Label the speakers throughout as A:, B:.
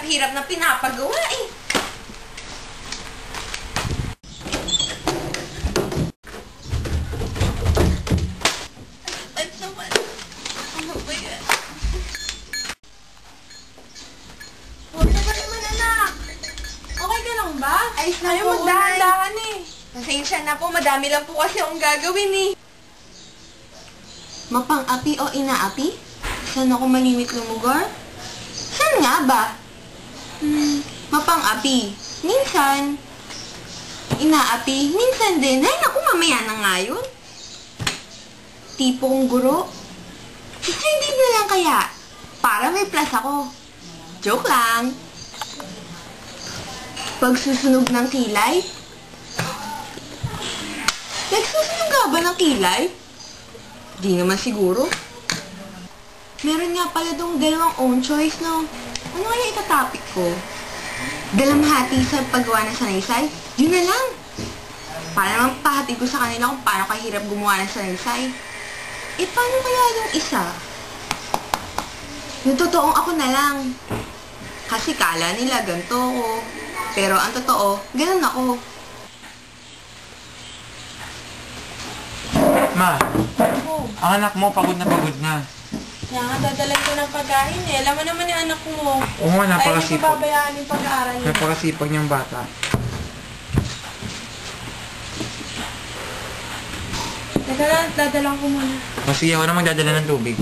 A: hirap-hirap na pinapagawa eh. Ay, naman. Ano ba yan? Huwag na ba naman, anak? Okay ka lang ba? Ayos na po, magdahan-dahan eh. Pasensya na po, madami lang po kasi akong gagawin eh. Mapang-api o inaapi? Saan ako malimit lumugor? Saan nga ba? Mapang-api. Minsan. Inaapi. Minsan din. Ay, naku, mamaya na nga yun. Tipo kong guro. Hindi na lang kaya. Para may plus ako. Joke lang. Pagsusunog ng kilay? Nagsusunog nga ba ng kilay? Di naman siguro. Meron nga pala dong dalawang own choice, no? Ano kaya itatopic ko? Dalamhati sa paggawa ng sanaysay? Yun na lang. Para naman pahati ko sa kanila kung paano kahirap gumawa ng sanaysay. Eh, paano kaya yung isa? Yung totoong ako na lang. Kasi kala nila ganito ako. Pero ang totoo, ganun ako.
B: Ma, ang anak mo pagod na pagod na.
A: Kaya nga, dadalan ko ng pagkain eh. Alam mo naman yung anak mo.
B: Oo nga, napakasipag.
A: Ay, hindi ko babayaan yung pag-aaral niya.
B: Napakasipag niyang bata.
A: Teka lang, dadalan ko muna.
B: Kasi ako na magdadala ng tubig.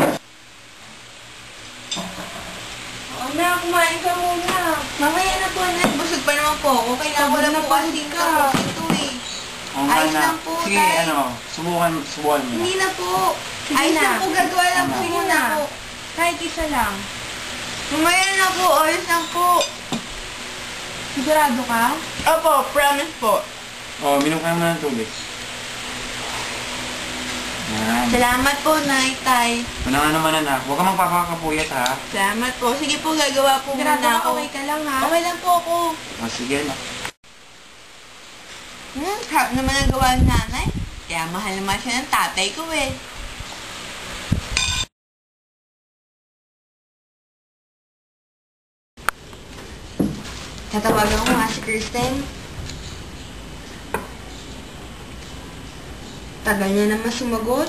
A: Oo na, kumain ka muna. Mamaya na po, anak. Busog pa naman po ako. Kailangan ko lang po kasi tapos ito eh. Ayos lang po,
B: sige,
A: tay.
B: subukan mo na.
A: Hindi na po.
C: Sige
A: Ayos
C: na.
A: lang po, gagawa lang po
C: Sige
A: muna
C: na.
A: po.
C: Kahit isa lang.
A: Mamaya na po, ayos lang po.
C: Sigurado ka?
A: Opo, promise po.
B: Oh, minom ka naman ng tubig. Yan.
A: Salamat po, Nay, Tay.
B: Wala nga naman anak. Huwag ka magpapakapuyat ha.
A: Salamat po. Sige po, gagawa po
C: Sigurado
A: muna
C: ka,
A: ako.
C: okay ka lang ha?
A: Okay lang po ako.
B: O sige na.
A: Harap naman ang gawa ng nanay. Kaya mahal naman siya ng tatay ko eh. Tatawagan ko nga si Kristen. Tagal niya naman sumagot.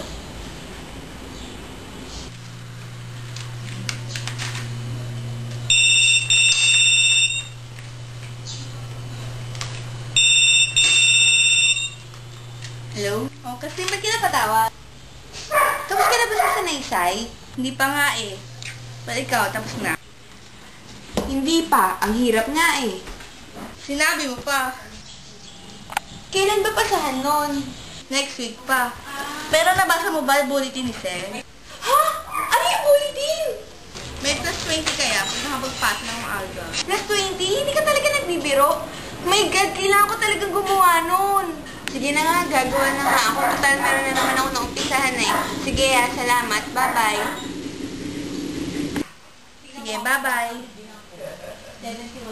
A: Hello? Oh, kasi ba't ka napatawag? Tapos ka na ba sa sanaysay? Hindi pa nga eh. Ba't ikaw, tapos na? Hindi pa. Ang hirap nga eh. Sinabi mo pa. Kailan ba pasahan nun? Next week pa. Pero nabasa mo ba yung bulletin ni Sir? Ha? Ano yung bulletin? May plus 20 kaya pag nakapagpas ng maaga. Plus 20? Hindi ka talaga nagbibiro? My God, kailangan ko talagang gumawa nun. Sige na nga, gagawa na nga ako. Total, meron na naman ako naumpisahan eh. Sige, salamat. Bye-bye. Sige, bye-bye.